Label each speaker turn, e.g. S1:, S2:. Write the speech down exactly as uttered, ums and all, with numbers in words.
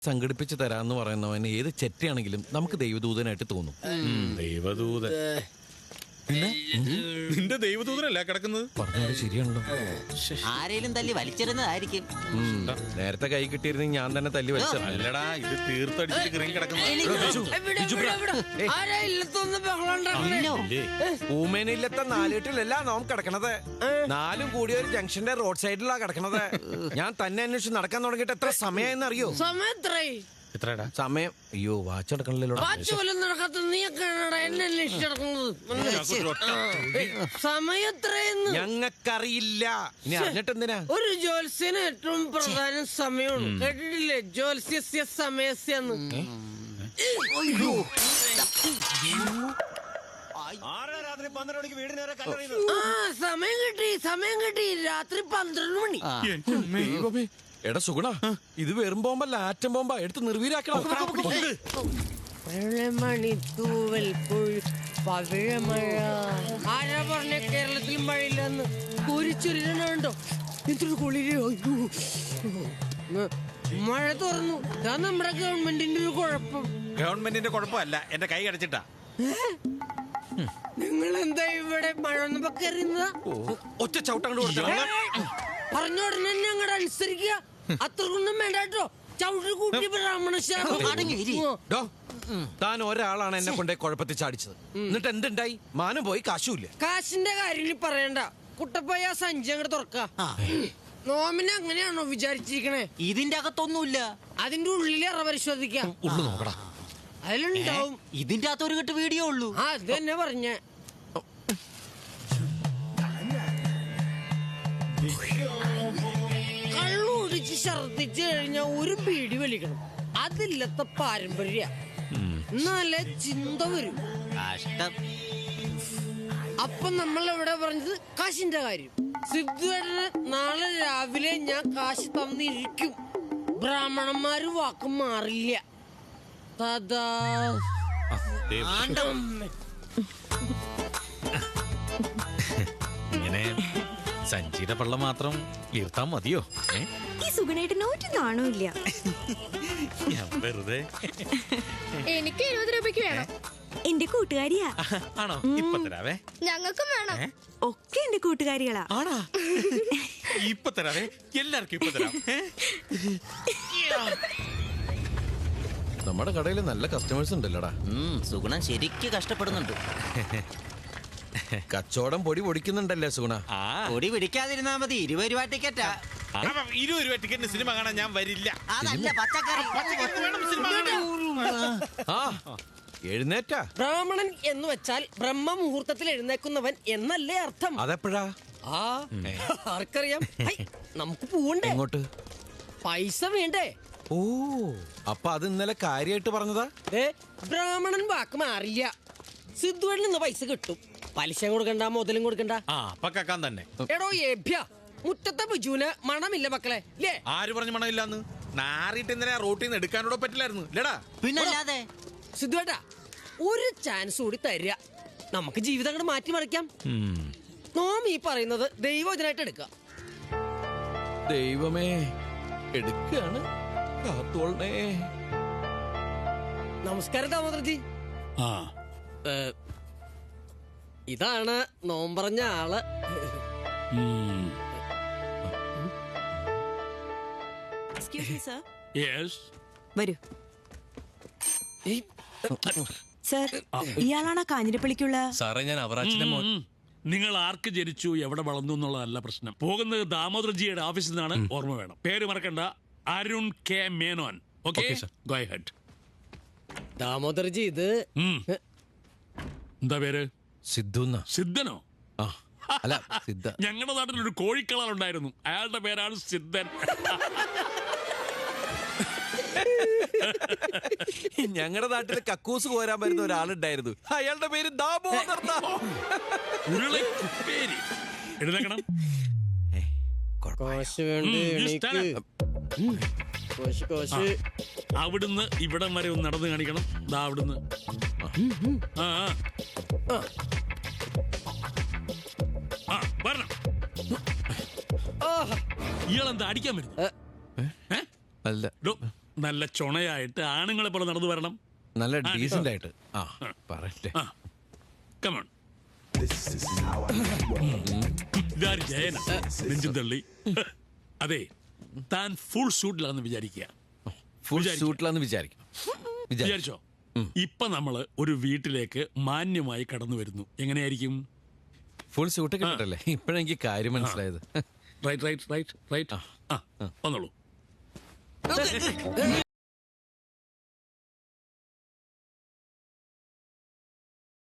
S1: സംഘടിപ്പിച്ച് തരാന്ന് പറയുന്നവന് ഏത് ചെറ്റയാണെങ്കിലും നമുക്ക് ദൈവദൂതനായിട്ട് തോന്നും.
S2: ദൈവദൂതൻ നിന്റെ ദൈവദൂതനല്ല കിടക്കുന്നത്.
S1: പറഞ്ഞത് ശരിയാണല്ലോ.
S3: ആരേലും തല്ലി വലിച്ചിരുന്നതായിരിക്കും.
S1: നേരത്തെ കൈ കിട്ടിയിരുന്നെങ്കിൽ ഞാൻ തന്നെ തല്ലി വലിച്ചത്.
S2: അല്ലടാ, ഇത് തീർത്തടിച്ചിട്ട് കിറങ്ങി കിടക്കുന്നത്.
S1: ഊമേനില്ലത്തെ നാലുകെട്ടിലല്ല നോം കിടക്കണത്. നാലും കൂടി ഒരു ജംഗ്ഷന്റെ റോഡ് സൈഡിലാ കിടക്കണത്. ഞാൻ തന്നെ അന്വേഷിച്ച് നടക്കാൻ തുടങ്ങിയിട്ട് എത്ര സമയം അറിയോ?
S2: എത്രടാ
S1: സമയം? അയ്യോ വാച്ച് എടുക്കണല്ലോ. ഞങ്ങൾക്കറിയില്ല. ഇനി അറിഞ്ഞിട്ട് എന്തിനാ?
S4: ഒരു ജ്യോത്സ്യന് ഏറ്റവും പ്രധാന സമയമാണ്. കേട്ടിട്ടില്ലേ? ജ്യോത്സ്യ സമയസ്യെന്ന്. ആ സമയം കിട്ടി, സമയം കിട്ടി. രാത്രി പന്ത്രണ്ട് മണി.
S1: ദൈവമേ. എടാ സുഗുണ, ഇത് വെറും ബോംബല്ല, ആറ്റം ബോംബാ. എടുത്ത് നിർവീരാക്കണം.
S4: മണിത്തൂവൽ പവിഴമഴ. ആരാ പറഞ്ഞ കേരളത്തിൽ മഴയില്ലെന്ന്? കുരിച്ചൊരുണ്ടോ? എന്തൊരു കുളിരോ. മഴ തുറന്നു. ഇതാ നമ്മുടെ ഗവൺമെന്റിന്റെ ഒരു കുഴപ്പം.
S2: ഗവൺമെന്റിന്റെ കുഴപ്പമല്ല, എന്റെ കൈ അടച്ചിട്ടാ.
S4: നിങ്ങൾ എന്താ ഇവിടെ മഴ ഒന്നും കയറുന്നതാ?
S1: ഒറ്റ ചവിട്ടങ്ങോട്ട് കൊടുത്ത
S4: പറഞ്ഞ ഉടനെ ഞങ്ങളുടെ അനുസരിക്കുക. അത്രക്കൊന്നും വേണ്ടോ. ചവിട്ടി കൂട്ടി ബ്രാഹ്മണ
S1: താൻ ഒരാളാണ് എന്നെ കൊണ്ടേ കുഴപ്പത്തിൽ ചാടിച്ചത്. എന്നിട്ട് എന്തുണ്ടായി? മാനം പോയി, കാശുമില്ല.
S4: കാശിന്റെ കാര്യം പറയണ്ട. കുട്ടപ്പയ്യ സഞ്ചി അങ്ങോട്ട് തുറക്ക. നോമിനെ അങ്ങനെയാണോ വിചാരിച്ചിരിക്കണേ?
S3: ഇതിന്റെ അകത്തൊന്നുമില്ല.
S4: അതിന്റെ ഉള്ളിൽ അറ പരിശോധിക്കാം.
S1: നോക്കടാ,
S4: അതിലുണ്ടാവും.
S3: ഇതിന്റെ അകത്ത് ഒരു കെട്ട് വീഡിയോ ഉള്ളൂ.
S4: ആ അത് തന്നെ പറഞ്ഞ. കള്ളു കുടിച്ച് ഛർദിച്ചു കഴിഞ്ഞാൽ ഒരു പീടി വലിക്കണം. അതില്ലത്തെ പാരമ്പര്യ. എന്നാലേ ചിന്ത വരും.
S3: കഷ്ടം.
S4: അപ്പൊ നമ്മൾ എവിടെ പറഞ്ഞത് കാശിന്റെ കാര്യം. സിദ്ധുവേട്ടന് നാളെ രാവിലെ ഞാൻ കാശ് തന്നിരിക്കും. ബ്രാഹ്മണന്മാര് വാക്ക് മാറില്ല. തഥാ
S2: ഇങ്ങനെ സഞ്ചിയുടെ പള്ള മാത്രം വീർത്താ മതിയോ?
S5: ഈ സുഗുണേട്ടന് ഒരു നാണമില്ല.
S2: വെറുതെ.
S6: എനിക്ക് ഇരുപത് രൂപയ്ക്ക് വേണം.
S5: എന്റെ കൂട്ടുകാരിയാ.
S2: ആണോ? ഇപ്പൊ തരാവേ.
S6: ഞങ്ങൾക്കും വേണം.
S5: ഒക്കെ എന്റെ കൂട്ടുകാരികളാ.
S2: ആണാ? ഇപ്പൊ തരാവേ. എല്ലാവർക്കും ഇപ്പൊ തരാം.
S1: നമ്മുടെ കടയിൽ നല്ല കസ്റ്റമേഴ്സ് ഉണ്ടല്ലോടാ.
S3: സുഗുണൻ ശരിക്ക് കഷ്ടപ്പെടുന്നുണ്ട്.
S1: കച്ചവടം പൊടി പൊടിക്കുന്നുണ്ടല്ലേ സുഗുണ?
S3: പൊടി പിടിക്കാതിരുന്നാ മതി. ഇരുപത് രൂപ ടിക്കറ്റാ.
S2: ഇരുപത് രൂപ ടിക്കറ്റിന് സിനിമ കാണാൻ ഞാൻ വരില്ല.
S3: അതല്ല പച്ചക്കറി.
S1: എഴുന്നേറ്റാ.
S4: ബ്രാഹ്മണൻ എന്ന് വെച്ചാൽ ബ്രഹ്മ മുഹൂർത്തത്തിൽ എഴുന്നേക്കുന്നവൻ എന്നല്ലേ അർത്ഥം?
S1: അതെപ്പോഴാ?
S4: ആ ആർക്കറിയാം. നമുക്ക് പോവണ്ടേ?
S1: എങ്ങോട്ട്?
S4: പൈസ വേണ്ടേ?
S1: ഓ, അപ്പൊ അത് ഇന്നലെ കാര്യമായിട്ട് പറഞ്ഞതാ.
S4: ഏ ബ്രാഹ്മണൻ വാക്ക് മാറില്ല. സിദ്ധുവേട്ടന് ഇന്ന് പൈസ കിട്ടും. പലിശ കൊടുക്കണ്ട, മുതലും കൊടുക്കണ്ട.
S2: ആ പക്കാൻ തന്നെ.
S4: എടോ ഏഭ്യ, മുറ്റത്തെ ബിജുവിന് മണമില്ല മക്കളെ. ലേ
S2: ആര് പറഞ്ഞു മണമില്ലാന്ന്? നാറിയിട്ട് എന്തിനാ റോട്ടിൽ നിന്ന് എടുക്കാനോടോ പറ്റില്ലായിരുന്നു ലേടാ.
S3: പിന്നല്ലാതെ.
S4: സിദ്ധുവേട്ടാ, ഒരു ചാൻസ് കൂടി തരിക. നമുക്ക് ജീവിതം അങ്ങോട്ട് മാറ്റിമറിക്കാം. നോം ഈ പറയുന്നത് ദൈവജനായിട്ട് എടുക്കുക.
S1: ദൈവമേ, എടുക്കാണ്. കാത്തോളണേ.
S4: നമസ്കാരം ദാമോദർജി. ഇതാണ് നോം പറഞ്ഞ ആള്.
S5: വരൂ സർ. ഇയാളാണ് കാഞ്ഞിരപ്പള്ളിക്കുള്ള
S7: സാറേ? ഞാൻ അവറാച്ചിന്റെ മോൻ. നിങ്ങൾ ആർക്ക് ജനിച്ചു, എവിടെ വളർന്നു എന്നുള്ളതല്ല പ്രശ്നം. പോകുന്നത് ദാമോദർജിയുടെ ഓഫീസിൽ നിന്നാണ്. ഓർമ്മ വേണം. പേര് മറക്കണ്ട. Arun K Menon. Okay, go ahead.
S4: Damodarji ഇത്
S7: എന്താ പേര്?
S1: സിദ്ധു.
S7: സിദ്ധനോ?
S1: അല്ല, സിദ്ധ.
S7: ഞങ്ങളുടെ നാട്ടിൽ ഒരു കോഴിക്കളർ ഉണ്ടായിരുന്നു. അയാളുടെ പേരാണ് സിദ്ധൻ.
S1: ഞങ്ങളുടെ നാട്ടിൽ കക്കൂസ് കോരാൻ വരുന്ന ഒരാളുണ്ടായിരുന്നു. അയാളുടെ പേര് ദാമോദർ.
S7: എഴുതേക്കണം. അവിടുന്ന് ഇവിടം വരെ ഒന്ന് നടന്നു കാണിക്കണം. ദാ അവിടുന്ന്. ആ ആ വരണം. ഇയാളെന്താ അടിക്കാൻ വരുന്നു?
S1: അല്ല.
S7: നല്ല ചുണയായിട്ട് ആണുങ്ങളെ പോലെ നടന്നു വരണം.
S1: നല്ല ഡീസന്റ് ആയിട്ട്. ആ പറയട്ടെ.
S7: ആ കമോൺ. ഇതാര് ജയന നെഞ്ചും തള്ളി. അതെ, താൻ ഫുൾ സൂട്ടിലാണെന്ന് വിചാരിക്കുക.
S1: ഫുൾ സൂട്ടിലാന്ന് വിചാരിക്കും.
S7: വിചാരിച്ചോ? ഇപ്പൊ നമ്മള് ഒരു വീട്ടിലേക്ക് മാന്യമായി കടന്നു വരുന്നു. എങ്ങനെയായിരിക്കും?
S1: Full suit കിട്ടല്ലേ? ഇപ്പഴെനിക്ക് കാര്യം മനസ്സിലായത്.
S7: Right right right right. ആ വന്നോളൂ.